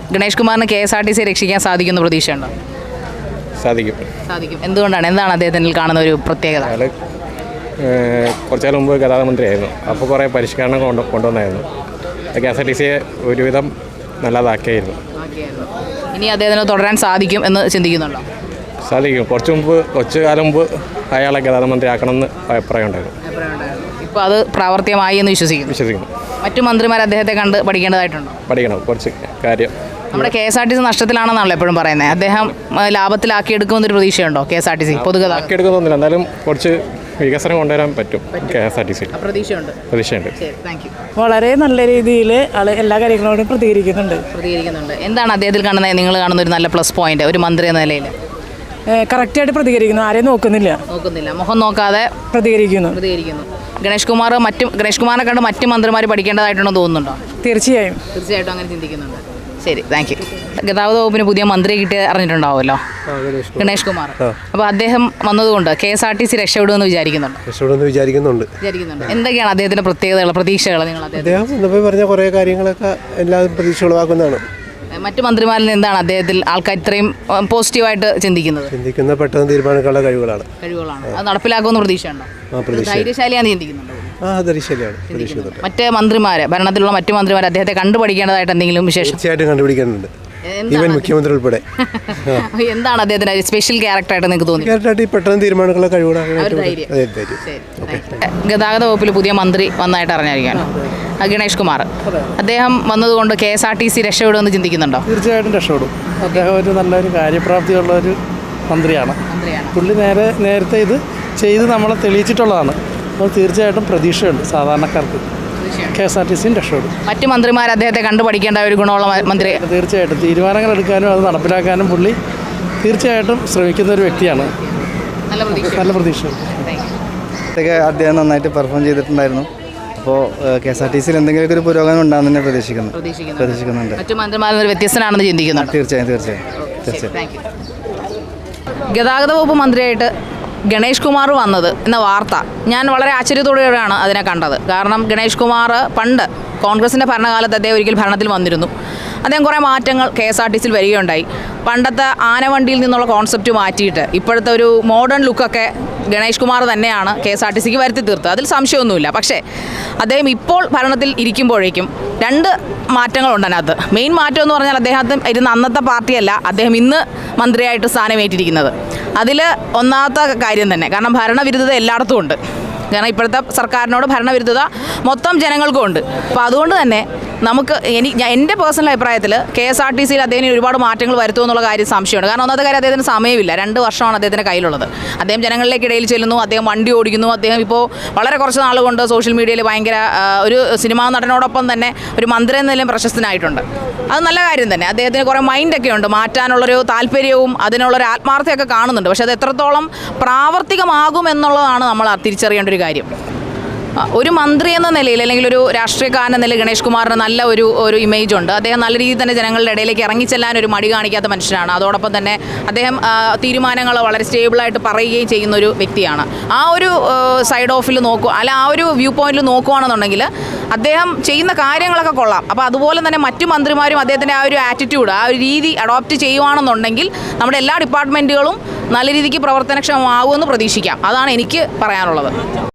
ഗണേഷ് കുമാറിന് KSRTC രക്ഷിക്കാൻ സാധിക്കുന്ന പ്രതീക്ഷയുണ്ടോ? സാധിക്കും. എന്താണ് അദ്ദേഹത്തിൽ കാണുന്ന ഒരു പ്രത്യേകത? കുറച്ചാൽ മുമ്പ് ഗതാഗത മന്ത്രിയായിരുന്നു. അപ്പോൾ കുറേ പരിഷ്കരണം കൊണ്ടുവന്നായിരുന്നു. KSRTCയെ ഒരുവിധം നല്ലതാക്കിയായിരുന്നു. ഇനി അദ്ദേഹത്തിന് തുടരാൻ സാധിക്കും എന്ന് ചിന്തിക്കുന്നുണ്ടോ? സാധിക്കും. കുറച്ചു കാലം മുമ്പ് അയാളെ ഗതാഗത മന്ത്രി ആക്കണമെന്ന് അഭിപ്രായം ഉണ്ടായിരുന്നു. ഇപ്പോൾ അത് പ്രാവർത്തികമായി എന്ന് വിശ്വസിക്കുന്നു. മറ്റു മന്ത്രിമാർ അദ്ദേഹത്തെ കണ്ട് പഠിക്കണം കുറച്ച് കാര്യം. നമ്മുടെ KSRTC നഷ്ടത്തിലാണെന്നാണല്ലോ എപ്പോഴും പറയുന്നത്. അദ്ദേഹം ലാഭത്തിലാക്കിയെടുക്കുമെന്നൊരു പ്രതീക്ഷയുണ്ടോ KSRTC പൊതുഗതാഗതം? ആക്കിയെടുക്കുന്നില്ല, എന്നാലും കുറച്ച് വികസനം കൊണ്ടുവരാൻ പറ്റും KSRTC. പ്രതീക്ഷയുണ്ട്. വളരെ നല്ല രീതിയിൽ എല്ലാ കാര്യങ്ങളോടും പ്രതികരിക്കുന്നുണ്ട്. എന്താണ് അദ്ദേഹത്തിൽ കാണുന്നത്, നിങ്ങൾ കാണുന്ന ഒരു നല്ല പ്ലസ് പോയിന്റ് ഒരു മന്ത്രി എന്ന നിലയിൽ? കറക്റ്റായിട്ട് പ്രതികരിക്കുന്നു, ആരെയും നോക്കുന്നില്ല, മുഖം നോക്കാതെ പ്രതികരിക്കുന്നു. ഗണേഷ് കുമാറിനെ കണ്ട് മറ്റു മന്ത്രിമാർ പഠിക്കേണ്ടതായിട്ടുണ്ടോ തോന്നുന്നുണ്ടോ? തീർച്ചയായും അങ്ങനെ ചിന്തിക്കുന്നുണ്ട്. ശരി, താങ്ക് യു. ഗതാഗത വകുപ്പിന് പുതിയ മന്ത്രിയെ കിട്ടി അറിഞ്ഞിട്ടുണ്ടാവുമല്ലോ, ഗണേഷ് കുമാർ. അപ്പോൾ അദ്ദേഹം വന്നതുകൊണ്ട് KSRTC രക്ഷപ്പെടുമെന്ന് വിചാരിക്കുന്നുണ്ട്. എന്തൊക്കെയാണ് അദ്ദേഹത്തിന്റെ പ്രത്യേകതകൾ, പ്രതീക്ഷകൾ? നിങ്ങൾ അദ്ദേഹം പറഞ്ഞ കുറേ കാര്യങ്ങളൊക്കെ എല്ലാവരും പ്രതീക്ഷ ഉളവാക്കുന്നതാണ്. മറ്റു മന്ത്രിമാരിൽ നിന്ന് എന്താണ് അദ്ദേഹത്തിൽ ആൾക്കാർ ഇത്രയും പോസിറ്റീവായിട്ട് ചിന്തിക്കുന്നത്? പെട്ടെന്ന് തീരുമാനിക്കാനുള്ള കഴിവുകളാണ്. അത് നടപ്പിലാക്കുമെന്ന് പ്രതീക്ഷയുണ്ടോ? ധൈര്യശാലിയാണെന്ന് ചിന്തിക്കുന്നുണ്ടോ? മറ്റ് മന്ത്രിമാര്, ഭരണത്തിലുള്ള മറ്റു മന്ത്രിമാർ അദ്ദേഹത്തെ കണ്ടുപഠിക്കേണ്ടതായിട്ട് എന്തെങ്കിലും വിശേഷം? തീർച്ചയായിട്ടും കണ്ടുപിടിക്കാനുണ്ട്, ഈവൻ മുഖ്യമന്ത്രി ഉൾപ്പെടെ. എന്താണ് അദ്ദേഹത്തിന്റെ സ്പെഷ്യൽ ക്യാരക്ടറായിട്ട് നിങ്ങൾക്ക് തോന്നി? പെട്ടെന്ന് തീരുമാനങ്ങളുള്ള കഴിവുകളാണ്. ഗതാഗത വകുപ്പിൽ പുതിയ മന്ത്രി വന്നതായിട്ട് അറിഞ്ഞായിരിക്കാണ് ഗണേഷ് കുമാർ. അദ്ദേഹം വന്നതുകൊണ്ട് KSRTC രക്ഷപ്പെടുമെന്ന് ചിന്തിക്കുന്നുണ്ടോ? തീർച്ചയായിട്ടും രക്ഷപ്പെടും. അദ്ദേഹം ഒരു നല്ലൊരു കാര്യപ്രാപ്തിയുള്ള ഒരു മന്ത്രിയാണ്. പുള്ളി നേരത്തെ ഇത് ചെയ്ത് നമ്മളെ തെളിയിച്ചിട്ടുള്ളതാണ്. അപ്പോൾ തീർച്ചയായിട്ടും പ്രതീക്ഷയുണ്ട് സാധാരണക്കാർക്ക്. KSRTCയും രക്ഷപ്പെടും. മറ്റു മന്ത്രിമാർ അദ്ദേഹത്തെ കണ്ടു പഠിക്കേണ്ട ഒരു ഗുണമുള്ള മന്ത്രി. തീർച്ചയായിട്ടും തീരുമാനങ്ങൾ എടുക്കാനും അത് നടപ്പിലാക്കാനും പുള്ളി തീർച്ചയായിട്ടും ശ്രമിക്കുന്ന ഒരു വ്യക്തിയാണ്. നല്ല പ്രതീക്ഷയുണ്ട്. അദ്ദേഹം നന്നായിട്ട് പെർഫോം ചെയ്തിട്ടുണ്ടായിരുന്നു. അപ്പോൾ KSRTCയിൽ എന്തെങ്കിലുമൊക്കെ ഒരു പുരോഗമനം ഉണ്ടാകുന്ന തന്നെ പ്രതീക്ഷിക്കുന്നുണ്ട്. മറ്റു മന്ത്രിമാരിൽ ഒരു വ്യത്യസ്തനാണെന്ന് ചിന്തിക്കുന്നു. തീർച്ചയായും. ഗതാഗത വകുപ്പ് മന്ത്രിയായിട്ട് ഗണേഷ് കുമാർ വന്നത് എന്ന വാർത്ത ഞാൻ വളരെ ആശ്ചര്യത്തോടെയാണ് അതിനെ കണ്ടത്. കാരണം ഗണേഷ് കുമാർ പണ്ട് കോൺഗ്രസിൻ്റെ ഭരണകാലത്ത് അദ്ദേഹം ഒരിക്കൽ ഭരണത്തിൽ വന്നിരുന്നു. അദ്ദേഹം കുറേ മാറ്റങ്ങൾ KSRTCയിൽ വരികയുണ്ടായി. പണ്ടത്തെ ആനവണ്ടിയിൽ നിന്നുള്ള കോൺസെപ്റ്റ് മാറ്റിയിട്ട് ഇപ്പോഴത്തെ ഒരു മോഡേൺ ലുക്കൊക്കെ ഗണേഷ് കുമാർ തന്നെയാണ് KSRTCക്ക് വരുത്തി തീർത്തത്, അതിൽ സംശയമൊന്നുമില്ല. പക്ഷേ അദ്ദേഹം ഇപ്പോൾ ഭരണത്തിൽ ഇരിക്കുമ്പോഴേക്കും രണ്ട് മാറ്റങ്ങളുണ്ട് അതിനകത്ത്. മെയിൻ മാറ്റം എന്ന് പറഞ്ഞാൽ അദ്ദേഹത്തിന് ഇരുന്ന അന്നത്തെ പാർട്ടിയല്ല അദ്ദേഹം ഇന്ന് മന്ത്രിയായിട്ട് സ്ഥാനമേറ്റിരിക്കുന്നത്. അതിൽ ഒന്നാമത്തെ കാര്യം തന്നെ, കാരണം ഭരണവിരുദ്ധത എല്ലായിടത്തും ഉണ്ട്. കാരണം ഇപ്പോഴത്തെ സർക്കാരിനോട് ഭരണവിരുദ്ധത മൊത്തം ജനങ്ങൾക്കും ഉണ്ട്. അപ്പോൾ അതുകൊണ്ട് തന്നെ എൻ്റെ പേഴ്സണൽ അഭിപ്രായത്തിൽ KSRTCയിൽ അദ്ദേഹത്തിന് ഒരുപാട് മാറ്റങ്ങൾ വരുത്തുമെന്നുള്ള കാര്യം സംശയമുണ്ട്. കാരണം ഒന്നാമത്തെ കാര്യം അദ്ദേഹത്തിന് സമയമില്ല. 2 വർഷമാണ് അദ്ദേഹത്തിൻ്റെ കയ്യിലുള്ളത്. അദ്ദേഹം ജനങ്ങളിലേക്കിടയിൽ ചെല്ലുന്നു, അദ്ദേഹം വണ്ടി ഓടിക്കുന്നു. അദ്ദേഹം ഇപ്പോൾ വളരെ കുറച്ച് നാൾ കൊണ്ട് സോഷ്യൽ മീഡിയയിൽ ഭയങ്കര ഒരു സിനിമാ നടനോടൊപ്പം തന്നെ ഒരു മന്ത്രി എന്ന നിലയിൽ പ്രശസ്തനായിട്ടുണ്ട്. അത് നല്ല കാര്യം തന്നെ. അദ്ദേഹത്തിന് കുറേ മൈൻഡൊക്കെ ഉണ്ട്, മാറ്റാനുള്ളൊരു താല്പര്യവും അതിനുള്ളൊരു ആത്മാർത്ഥയൊക്കെ കാണുന്നുണ്ട്. പക്ഷേ അത് എത്രത്തോളം പ്രാവർത്തികമാകും എന്നുള്ളതാണ് നമ്മൾ തിരിച്ചറിയേണ്ട ഒരു കാര്യം. ഒരു മന്ത്രി എന്ന നിലയിൽ അല്ലെങ്കിൽ ഒരു രാഷ്ട്രീയക്കാരൻ എന്ന നിലയിൽ ഗണേഷ് കുമാറിന് നല്ല ഒരു ഇമേജ് ഉണ്ട്. അദ്ദേഹം നല്ല രീതിയിൽ തന്നെ ജനങ്ങളുടെ ഇടയിലേക്ക് ഇറങ്ങിച്ചെല്ലാൻ ഒരു മടി കാണിക്കാത്ത മനുഷ്യനാണ്. അതോടൊപ്പം തന്നെ അദ്ദേഹം തീരുമാനങ്ങൾ വളരെ സ്റ്റേബിളായിട്ട് പറയുകയും ചെയ്യുന്ന ഒരു വ്യക്തിയാണ്. ആ ഒരു സൈഡ് ഓഫിൽ ആ ഒരു വ്യൂ പോയിന്റിൽ നോക്കുകയാണെന്നുണ്ടെങ്കിൽ അദ്ദേഹം ചെയ്യുന്ന കാര്യങ്ങളൊക്കെ കൊള്ളാം. അപ്പോൾ അതുപോലെ തന്നെ മറ്റു മന്ത്രിമാരും അദ്ദേഹത്തിൻ്റെ ആ ഒരു ആറ്റിറ്റ്യൂഡ്, ആ ഒരു രീതി അഡോപ്റ്റ് ചെയ്യുകയാണെന്നുണ്ടെങ്കിൽ നമ്മുടെ എല്ലാ ഡിപ്പാർട്ട്മെൻറ്റുകളും നല്ല രീതിക്ക് പ്രവർത്തനക്ഷമമാകുമെന്ന് പ്രതീക്ഷിക്കാം. അതാണ് എനിക്ക് പറയാനുള്ളത്.